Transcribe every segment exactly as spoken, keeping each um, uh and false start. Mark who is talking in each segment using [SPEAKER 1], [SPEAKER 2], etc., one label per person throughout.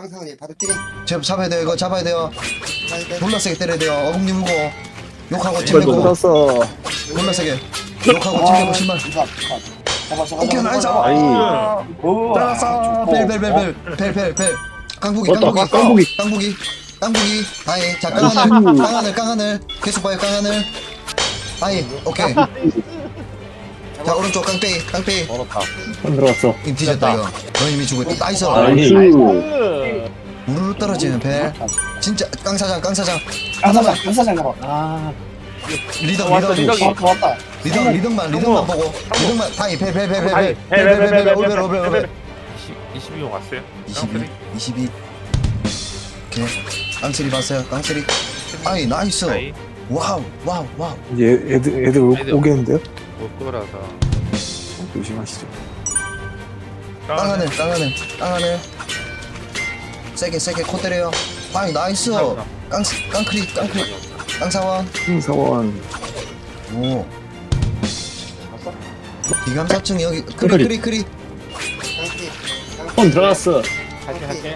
[SPEAKER 1] 깡상이 바로 뛰래.
[SPEAKER 2] 제 잡아야 돼요. 이거 잡아야 돼요. 졸라 세게 때려야 돼요. 어금니 물고 욕하고 침
[SPEAKER 3] 이걸 못
[SPEAKER 2] 내고
[SPEAKER 3] 들었어.
[SPEAKER 2] 졸라 세게 욕하고 침 내고 신발.
[SPEAKER 1] 잡아 잡아.
[SPEAKER 2] 오케이 나이스.
[SPEAKER 3] 아이.
[SPEAKER 2] 잘했어. 벨벨벨벨벨벨벨. 깡부기
[SPEAKER 3] 어, 또
[SPEAKER 2] 깡부기
[SPEAKER 3] 깡부기.
[SPEAKER 2] 깡부기 깡부기. 다이. 자 깡하늘 깡하늘 깡하늘. 계속 봐요 깡하늘. 다이. 오케이. 자 오른쪽 깡빼이 깡빼이.
[SPEAKER 4] 멀었다.
[SPEAKER 3] 안 들어갔어.
[SPEAKER 2] 이 뒤졌다 이거. 너 이미 죽었다. 나이스.
[SPEAKER 3] 나이스.
[SPEAKER 2] 우르르 떨어지는 벨. 진짜 깡사장 깡사장.
[SPEAKER 1] 깡사장 깡사장 잡아.
[SPEAKER 4] 아,
[SPEAKER 2] 리더
[SPEAKER 4] 왔어,
[SPEAKER 2] 리더
[SPEAKER 4] 리더기.
[SPEAKER 1] 어 왔다.
[SPEAKER 2] 리더 리더만 리더만 보고 리더만 다이
[SPEAKER 4] 다이.
[SPEAKER 2] 벨벨벨벨벨벨벨벨 오벨 오벨 오벨.
[SPEAKER 5] 이십이 호 왔어요?
[SPEAKER 2] 이십이 이십이. 오케이. 깡쓰리 봤어요 깡쓰리. 아이 나이스.
[SPEAKER 5] 다이
[SPEAKER 2] 와우 와우 와우.
[SPEAKER 3] 이제 애들 애들 오-
[SPEAKER 5] 애들.
[SPEAKER 3] 오겠는데요?
[SPEAKER 5] 못 거라서
[SPEAKER 3] 조심하시죠.
[SPEAKER 2] 깡하늘 깡하늘 깡하늘. 세게 세게 코 때려요. 아이 나이스. 깡 깡크리 깡크리 깡사원.
[SPEAKER 3] 흥사원.
[SPEAKER 2] 오. 기감사층 여기 크리 크리 크리.
[SPEAKER 1] 깡피.
[SPEAKER 3] 폰 들어갔어.
[SPEAKER 4] 할게 할게.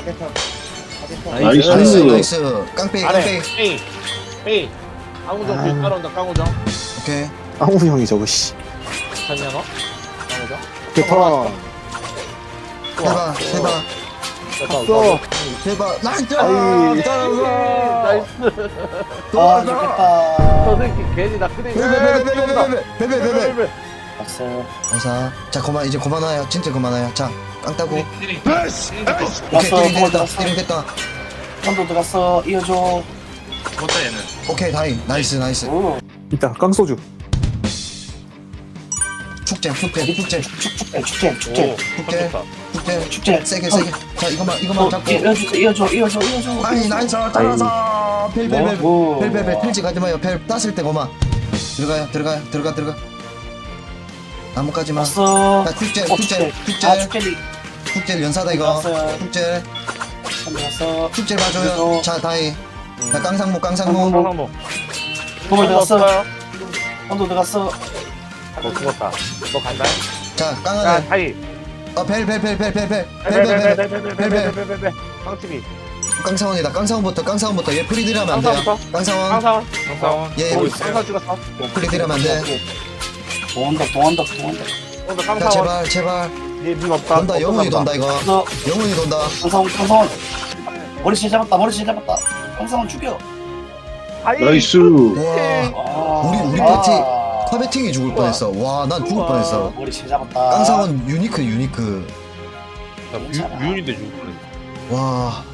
[SPEAKER 3] 나이스.
[SPEAKER 2] 나이스 나이스. 깡페이
[SPEAKER 4] 아래.
[SPEAKER 2] 깡페이.
[SPEAKER 4] 에이, 에이. 강우정 뒤 따라온다. 강우정.
[SPEAKER 2] 오케이.
[SPEAKER 3] 아우 형이 저거 씨.
[SPEAKER 4] 찾냐 너? 강우정.
[SPEAKER 3] 대파.
[SPEAKER 2] 해봐 해봐
[SPEAKER 3] 갔어.
[SPEAKER 2] 해봐. 나이스.
[SPEAKER 3] 아이.
[SPEAKER 4] 나이스.
[SPEAKER 1] 아 좋겠다.
[SPEAKER 4] 저 새끼 괜히 나 그대.
[SPEAKER 2] 베베베베베베베베베베.
[SPEAKER 1] 왔어.
[SPEAKER 2] 어사. 자 그만 이제 그만와요. 진짜 그만와요. 자 깡따고. 오케이
[SPEAKER 1] 왔어.
[SPEAKER 2] 띠링 됐다.
[SPEAKER 1] 들어갔어.
[SPEAKER 2] 띠링 됐다.
[SPEAKER 1] 한도 들어갔어. 이어줘.
[SPEAKER 5] 못다 얘는
[SPEAKER 2] 오케이 다이. 나이스 나이스.
[SPEAKER 1] 오.
[SPEAKER 3] 이따 깡소주.
[SPEAKER 2] 축제 축제 축제
[SPEAKER 1] 축제 축제
[SPEAKER 5] 오
[SPEAKER 1] 축제
[SPEAKER 2] 축제
[SPEAKER 5] 쳤다
[SPEAKER 2] 축제
[SPEAKER 1] 축제.
[SPEAKER 2] 세게 세게. 자 이거만 이거만
[SPEAKER 1] 어,
[SPEAKER 2] 잡고.
[SPEAKER 1] 이어줘 이어줘 이어줘 이어줘.
[SPEAKER 2] 아이 나이스. 잘라서. 벨벨벨.
[SPEAKER 1] 오.
[SPEAKER 2] 벨벨벨 펠지 가지 마요. 펠 땄을 때 거마. 들어가요 들어가요 들어가 들어가. 나뭇가지만.
[SPEAKER 1] 왔어.
[SPEAKER 2] 자 축제
[SPEAKER 1] 어,
[SPEAKER 2] 축제
[SPEAKER 1] 아
[SPEAKER 2] 축제
[SPEAKER 1] 축제리.
[SPEAKER 2] 축제 연사다 이거.
[SPEAKER 1] 왔어요.
[SPEAKER 2] 축제
[SPEAKER 1] 왔어.
[SPEAKER 2] 축제 봐줘요. 자 다이. 자 깡상무 깡상무.
[SPEAKER 4] 강상모.
[SPEAKER 1] 도발 들어갔어.
[SPEAKER 4] 없어요.
[SPEAKER 1] 한도 들어갔어.
[SPEAKER 4] 너 죽었다. 너 간다.
[SPEAKER 2] 자
[SPEAKER 4] 야,
[SPEAKER 2] 깡하늘.
[SPEAKER 4] 하이.
[SPEAKER 2] 어벨벨벨벨벨벨벨벨벨벨.
[SPEAKER 4] 깡치비.
[SPEAKER 2] 깡상원이다. 깡상원부터 깡상원부터 얘 프리딜하면 안 돼요.
[SPEAKER 4] 깡상원부터?
[SPEAKER 2] 깡상원.
[SPEAKER 4] 강사원.
[SPEAKER 5] 강사원
[SPEAKER 2] 예,
[SPEAKER 5] 보고
[SPEAKER 2] 예.
[SPEAKER 5] 있어요
[SPEAKER 4] 강사 죽었어.
[SPEAKER 2] 프리딜하면 안 돼.
[SPEAKER 1] 동원덕 동원덕 동원덕.
[SPEAKER 4] 오늘
[SPEAKER 2] 자
[SPEAKER 4] 강사원.
[SPEAKER 2] 제발 제발.
[SPEAKER 4] 니눈 없다.
[SPEAKER 2] 돈다 영혼이 돈다 이거.
[SPEAKER 1] 너
[SPEAKER 2] 영혼이 돈다.
[SPEAKER 1] 강상원 강상원. 머리채 잡았다 머리채 잡았다. 강상원 죽여.
[SPEAKER 4] 하이.
[SPEAKER 3] 나이스.
[SPEAKER 2] 와
[SPEAKER 1] 아,
[SPEAKER 2] 우리 우리
[SPEAKER 1] 아.
[SPEAKER 2] 파티 커베팅이 죽을 뻔했어. 와 난 죽을 뻔했어.
[SPEAKER 1] 머리채 잡았다.
[SPEAKER 2] 깡상원 유니크 유니크.
[SPEAKER 5] 나 뮤- 뮤인데 죽을 뻔했어
[SPEAKER 2] 와